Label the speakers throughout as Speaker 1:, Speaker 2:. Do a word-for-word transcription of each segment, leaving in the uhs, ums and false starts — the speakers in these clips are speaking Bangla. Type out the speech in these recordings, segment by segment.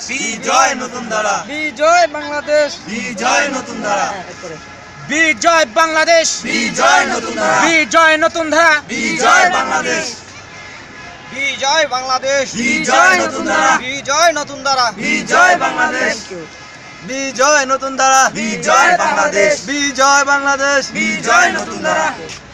Speaker 1: বিজয় নতুন ধারা,
Speaker 2: বিজয় বাংলাদেশ,
Speaker 1: বিজয় নতুন ধারা,
Speaker 2: বিজয় বাংলাদেশ,
Speaker 1: বিজয় নতুন ধারা,
Speaker 2: বিজয় নতুন ধারা,
Speaker 1: বিজয় বাংলাদেশ,
Speaker 2: বিজয় বাংলাদেশ,
Speaker 1: বিজয় নতুন ধারা,
Speaker 2: বিজয় নতুন ধারা,
Speaker 1: বিজয় বাংলাদেশ,
Speaker 2: বিজয় নতুন ধারা,
Speaker 1: বিজয় বাংলাদেশ,
Speaker 2: বিজয় বাংলাদেশ,
Speaker 1: বিজয় নতুন ধারা,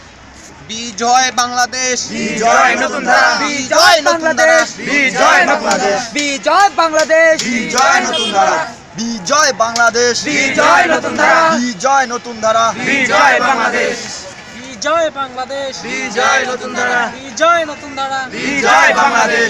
Speaker 2: বিজয় বাংলাদেশ,
Speaker 1: বিজয় নতুন ধারা,
Speaker 2: বিজয় বাংলাদেশ,
Speaker 1: বিজয় বাংলাদেশ,
Speaker 2: বিজয় বাংলাদেশ,
Speaker 1: বিজয় নতুন ধারা,
Speaker 2: বিজয় বাংলাদেশ,
Speaker 1: বিজয় নতুন ধারা,
Speaker 2: বিজয় নতুন ধারা,
Speaker 1: বিজয় বাংলাদেশ,
Speaker 2: বিজয় বাংলাদেশ,
Speaker 1: বিজয় নতুন ধারা,
Speaker 2: বিজয় নতুন ধারা,
Speaker 1: বিজয় বাংলাদেশ,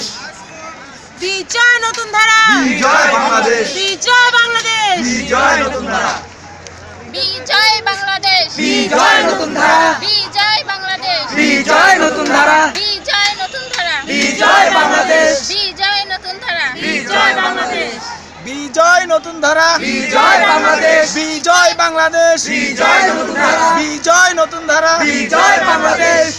Speaker 3: বিজয় নতুন ধারা,
Speaker 1: বিজয় বাংলাদেশ,
Speaker 3: বিজয় বাংলাদেশ,
Speaker 1: বিজয় নতুন ধারা,
Speaker 3: বিজয় বাংলাদেশ,
Speaker 1: বিজয় নতুন ধারা,
Speaker 3: বিজয় বাংলাদেশ,
Speaker 1: বিজয় নতুন ধারা,
Speaker 3: বিজয় নতুন ধারা,
Speaker 1: বিজয় বাংলাদেশ,
Speaker 3: বিজয় নতুন ধারা,
Speaker 1: বিজয় বাংলাদেশ,
Speaker 2: বিজয় নতুন ধারা,
Speaker 1: বিজয় বাংলাদেশ,
Speaker 2: বিজয় বাংলাদেশ,
Speaker 1: বিজয় নতুন ধারা,
Speaker 2: বিজয় নতুন ধারা,
Speaker 1: বিজয় বাংলাদেশ,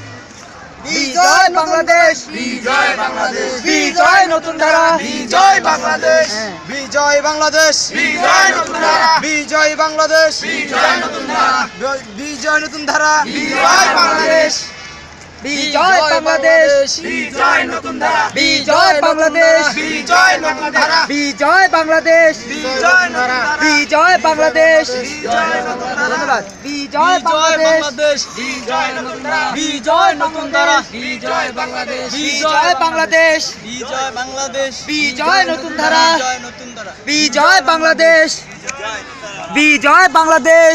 Speaker 2: বিজয় বাংলাদেশ,
Speaker 1: বিজয় বাংলাদেশ,
Speaker 2: বিজয় নতুন ধারা,
Speaker 1: বিজয় বাংলাদেশ,
Speaker 2: বিজয় বাংলাদেশ,
Speaker 1: বিজয় নতুন ধারা,
Speaker 2: বিজয় বাংলাদেশ,
Speaker 1: বিজয় নতুন ধারা,
Speaker 2: বিজয় নতুন ধারা,
Speaker 1: বিজয় বাংলাদেশ,
Speaker 2: বিজয় বাংলাদেশ,
Speaker 1: বিজয় নতুন ধারা,
Speaker 2: বিজয় বাংলাদেশ,
Speaker 1: বিজয় নতুন ধারা,
Speaker 2: বিজয় বাংলাদেশ,
Speaker 1: বিজয় নতুন ধারা,
Speaker 2: বিজয় বাংলাদেশ,
Speaker 1: বিজয় নতুন ধারা,
Speaker 2: ধন্যবাদ। বিজয় বাংলাদেশ,
Speaker 1: বিজয় নতুন ধারা,
Speaker 2: বিজয় নতুন ধারা,
Speaker 1: বিজয় বাংলাদেশ,
Speaker 2: বিজয় বাংলাদেশ,
Speaker 1: বিজয় বাংলাদেশ,
Speaker 2: বিজয় নতুন ধারা,
Speaker 1: বিজয় নতুন ধারা,
Speaker 2: বিজয় বাংলাদেশ, বিজয় বাংলাদেশ,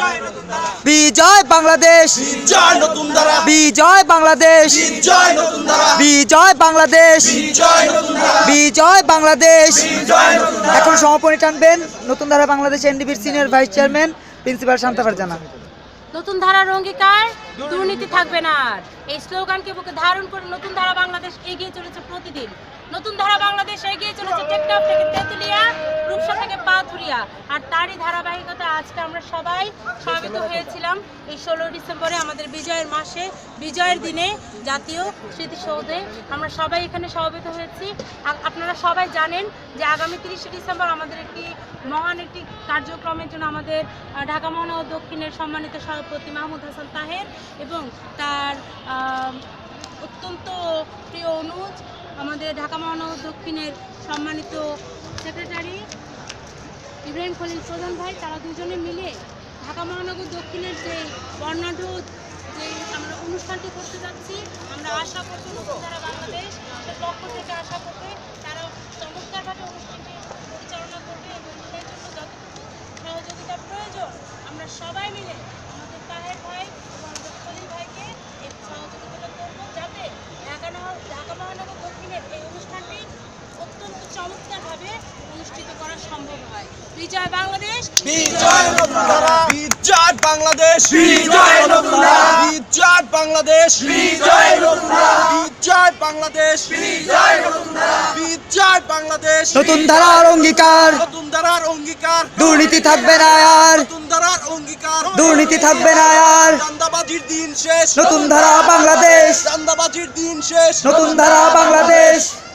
Speaker 2: বিজয় বাংলাদেশ,
Speaker 1: বিজয় নতুন ধারা,
Speaker 2: বিজয় বাংলাদেশ,
Speaker 1: বিজয় নতুন ধারা,
Speaker 2: বিজয় বাংলাদেশ,
Speaker 1: বিজয় নতুন ধারা,
Speaker 2: বিজয় বাংলাদেশ।
Speaker 1: বিজয় নতুন ধারা।
Speaker 2: এখন সমাপনী টানবেন নতুন ধারা বাংলাদেশ এনডিবির senior vice chairman principal Shanta Farzana.
Speaker 3: নতুন ধারার অঙ্গীকার, দুর্নীতি থাকবে না আর। এই স্লোগানকে বুকে ধারণ করে নতুন ধারা বাংলাদেশ এগিয়ে চলেছে প্রতিদিন। নতুন ধারা বাংলাদেশ এগিয়ে চলেছে টেকনাফ থেকে তেঁতুলিয়া, রূপসা থেকে পাথুরিয়া। আর তারই ধারাবাহিকতা আজকে আমরা সবাই সমবেত হয়েছিলাম এই ষোলোই ডিসেম্বরে আমাদের বিজয়ের মাসে, বিজয়ের দিনে জাতীয় স্মৃতিসৌধে আমরা সবাই এখানে সমবেত হয়েছি। আ- আপনারা সবাই জানেন যে আগামী তিরিশে ডিসেম্বর আমাদের একটি মহান একটি কার্যক্রমের জন্য আমাদের আহ, ঢাকা মহানগর দক্ষিণের সম্মানিত সভাপতি মাহমুদ হাসান তাহের এবং তার আহ, অত্যন্ত প্রিয় অনুজ আমাদের ঢাকা মহানগর দক্ষিণের সম্মানিত সেক্রেটারি ইব্রাহিম খলিল প্রধান ভাই, তারা দুজনে মিলে ঢাকা মহানগর দক্ষিণের যে বর্ণাঢ্য যে আমরা অনুষ্ঠানটি করতে যাচ্ছি, আমরা আশা করছি নতুন ধারা বাংলাদেশ এর পক্ষ থেকে আশা করতে তারা চমৎকারভাবে অনুষ্ঠানটি পরিচালনা করবে এবং সেই জন্য যতটুকু সহযোগিতা প্রয়োজন আমরা সবাই মিলে আমাদের তাহের ভাই এবং আমাদের খলিল ভাইকে এই সহযোগিতা করবো, যাতে ঢাকা নগর- ঢাকা মহানগর দক্ষিণের এই অনুষ্ঠানটি অত্যন্ত চমৎকারভাবে অনুষ্ঠিত করা সম্ভব হয়। বিজয় বাংলাদেশ,
Speaker 2: বিজয় নতুন ধারা, বিজয় বাংলাদেশ,
Speaker 1: বিজয় নতুন ধারা,
Speaker 2: বিজয় বাংলাদেশ,
Speaker 1: বিজয় নতুন ধারা,
Speaker 2: বিজয় বাংলাদেশ,
Speaker 1: বিজয় নতুন ধারা,
Speaker 2: বিজয় বাংলাদেশ।
Speaker 4: নতুন ধারার অঙ্গীকার,
Speaker 2: নতুন ধারার অঙ্গীকার,
Speaker 4: দুর্নীতি থাকবে না আর,
Speaker 2: নতুন ধারার অঙ্গীকার,
Speaker 4: দুর্নীতি থাকবে না আর,
Speaker 2: চাঁদাবাজির দিন শেষ,
Speaker 4: নতুন ধারা বাংলাদেশ,
Speaker 2: চাঁদাবাজির দিন শেষ,
Speaker 4: নতুন ধারা বাংলাদেশ।